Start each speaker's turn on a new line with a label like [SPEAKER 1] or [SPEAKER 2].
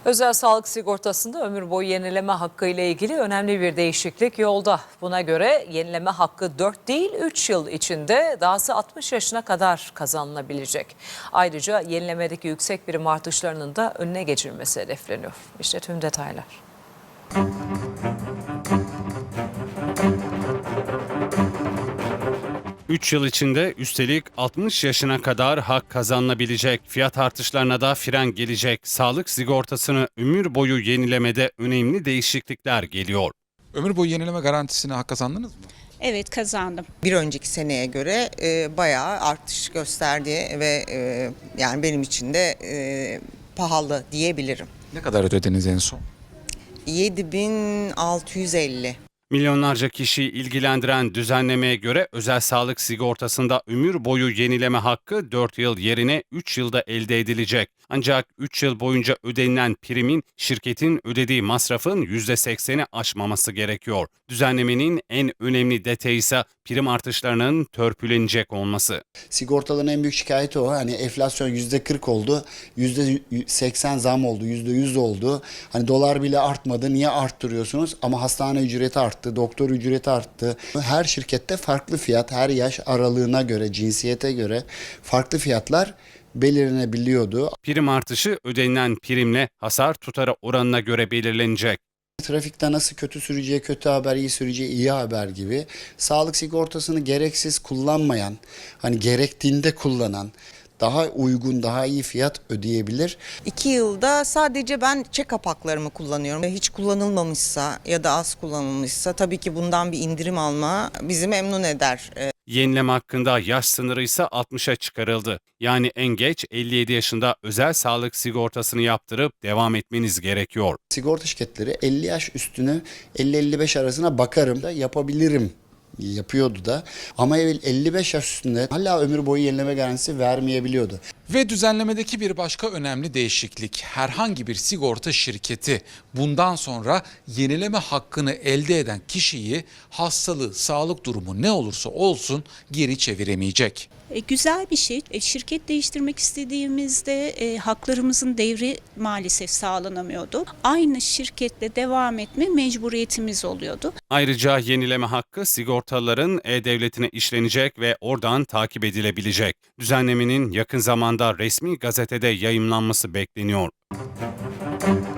[SPEAKER 1] Özel sağlık sigortasında ömür boyu yenileme hakkı ile ilgili önemli bir değişiklik yolda. Buna göre yenileme hakkı 4 değil 3 yıl içinde, dahası 60 yaşına kadar kazanılabilecek. Ayrıca yenilemedeki yüksek prim artışlarının da önüne geçilmesi hedefleniyor. İşte tüm detaylar.
[SPEAKER 2] Üç yıl içinde üstelik 60 yaşına kadar hak kazanılabilecek, fiyat artışlarına da fren gelecek. Sağlık sigortasını ömür boyu yenilemede önemli değişiklikler geliyor.
[SPEAKER 3] Ömür boyu yenileme garantisine hak kazandınız mı?
[SPEAKER 4] Evet, kazandım.
[SPEAKER 5] Bir önceki seneye göre bayağı artış gösterdi ve yani benim için de pahalı diyebilirim.
[SPEAKER 3] Ne kadar ödediniz en son?
[SPEAKER 5] 7.650.
[SPEAKER 2] Milyonlarca kişiyi ilgilendiren düzenlemeye göre özel sağlık sigortasında ömür boyu yenileme hakkı 4 yıl yerine 3 yılda elde edilecek. Ancak 3 yıl boyunca ödenilen primin şirketin ödediği masrafın %80'i aşmaması gerekiyor. Düzenlemenin en önemli detayı ise prim artışlarının törpülenecek olması.
[SPEAKER 6] Sigortaların en büyük şikayeti o. Hani enflasyon %40 oldu, %80 zam oldu, %100 oldu. Hani dolar bile artmadı. Niye arttırıyorsunuz? Ama hastane ücreti arttı, doktor ücreti arttı. Her şirkette farklı fiyat, her yaş aralığına göre, cinsiyete göre farklı fiyatlar belirlenebiliyordu.
[SPEAKER 2] Prim artışı ödenilen primle hasar tutarı oranına göre belirlenecek.
[SPEAKER 6] Trafikte nasıl kötü sürücüye kötü haber, iyi sürücüye iyi haber gibi sağlık sigortasını gereksiz kullanmayan, hani gerektiğinde kullanan, daha uygun, daha iyi fiyat ödeyebilir.
[SPEAKER 5] 2 yılda sadece ben check-up haklarımı kullanıyorum. Hiç kullanılmamışsa ya da az kullanılmışsa tabii ki bundan bir indirim alma bizi memnun eder.
[SPEAKER 2] Yenileme hakkında yaş sınırı ise 60'a çıkarıldı. Yani en geç 57 yaşında özel sağlık sigortasını yaptırıp devam etmeniz gerekiyor.
[SPEAKER 6] Sigorta şirketleri 50 yaş üstünü 50-55 arasına bakarım da yapabilirim. Yapıyordu da ama 55 yaş üstünde hala ömür boyu yenileme garantisi vermeyebiliyordu.
[SPEAKER 3] Ve düzenlemedeki bir başka önemli değişiklik. Herhangi bir sigorta şirketi bundan sonra yenileme hakkını elde eden kişiyi hastalığı, sağlık durumu ne olursa olsun geri çeviremeyecek.
[SPEAKER 4] Güzel bir şey. Şirket değiştirmek istediğimizde haklarımızın devri maalesef sağlanamıyordu. Aynı şirketle devam etme mecburiyetimiz oluyordu.
[SPEAKER 2] Ayrıca yenileme hakkı sigortalıların E-Devleti'ne işlenecek ve oradan takip edilebilecek. Düzenlemenin yakın zamanda resmi gazetede yayımlanması bekleniyor.